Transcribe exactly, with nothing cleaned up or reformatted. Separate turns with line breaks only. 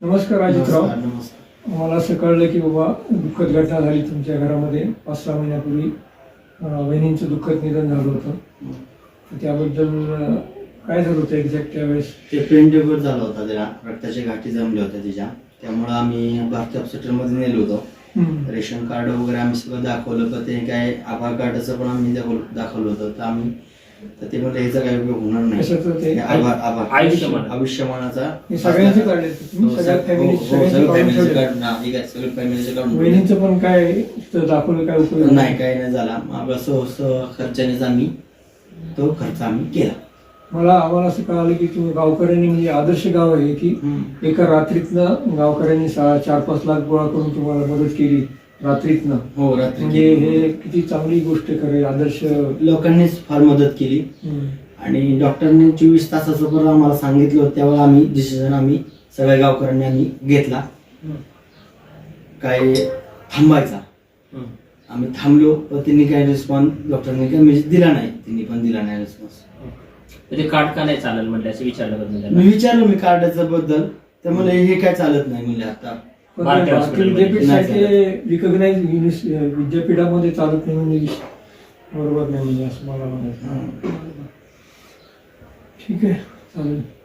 नमस्कार अजितराव.
नमस्कार. नमस्कार.
मला असं कळलं की बाबा दुःखद घटना झाली तुमच्या घरामध्ये पाच सहा महिन्यापूर्वी. अं, वहिनींचं दुःखद निधन झालं होतं. तर त्याबद्दल अं, काय झालं होतं एक्झॅक्ट त्यावेळेस?
ते पेन टेबल झाला होता, त्याला रक्ताच्या गाठी जमल्या होत्या तिच्या. त्यामुळं आम्ही भारती हॉस्पिटलमध्ये नेलो होतो.
हम्म.
रेशन कार्ड वगैरे आम्ही सगळं दाखवलं, तर ते काय आधार कार्डाचं पण आम्ही दाखवलं दाखवलं होतं. तर आम्ही तर ते म्हणजे ह्याचा काही उपयोग होणार नाही.
कशाचं ते?
आभार आभार
आयुष्यमान.
आयुष्यमानाचा
हे सगळ्यांचे काढले तुम्ही? सगळ्या फॅमिली सगळ्यांचे काढून ठेवले?
फॅमिलीचे काढून
वहिनींचं पण काय इथं दाखवलं, काय उपयोग झाला?
नाही, काही नाही झाला. मग असं असं खर्चानेच आम्ही तो खर्च आम्ही केला.
मला आम्हाला असं कळालं की तुम्ही गावकऱ्यांनी, म्हणजे आदर्श गाव आहे की
हम्म.
एका रात्रीतनं गावकऱ्यांनी सहा चार पाच लाख गोळा करून तुम्हाला मदत केली रात्रीतनं.
हो, रात्री
म्हणजे हे किती चांगली गोष्ट करेल. आदर्श
लोकांनीच फार मदत केली.
हम्म.
आणि डॉक्टरने चोवीस तासाचं पण आम्हाला सांगितलं होतं, तेव्हा आम्ही डिसिजन आम्ही सगळ्या गावकऱ्यांनी आम्ही घेतला. काय थांबायचा. आम्ही थांबलो, पण त्यांनी काही रिस्पॉन्स डॉक्टरने काही म्हणजे दिला नाही. त्यांनी पण दिला नाही रिस्पॉन्स.
म्हणजे कार्ड का नाही चालेल म्हटलं असं विचारलं का तुम्ही
मी विचारलो मी कार्डाचं बद्दल, तर मला हे काय चालत नाही म्हणजे आता.
पण
भारती
भारतीय
हॉस्पिटलमध्ये
विद्यापीठ
नाही
सारखे रिकॉग्नाइज विद्यापीठामध्ये चालत नाही म्हणजे बरोबर नाही, म्हणजे असं मला म्हणायचं. ठीक आहे, चालेल.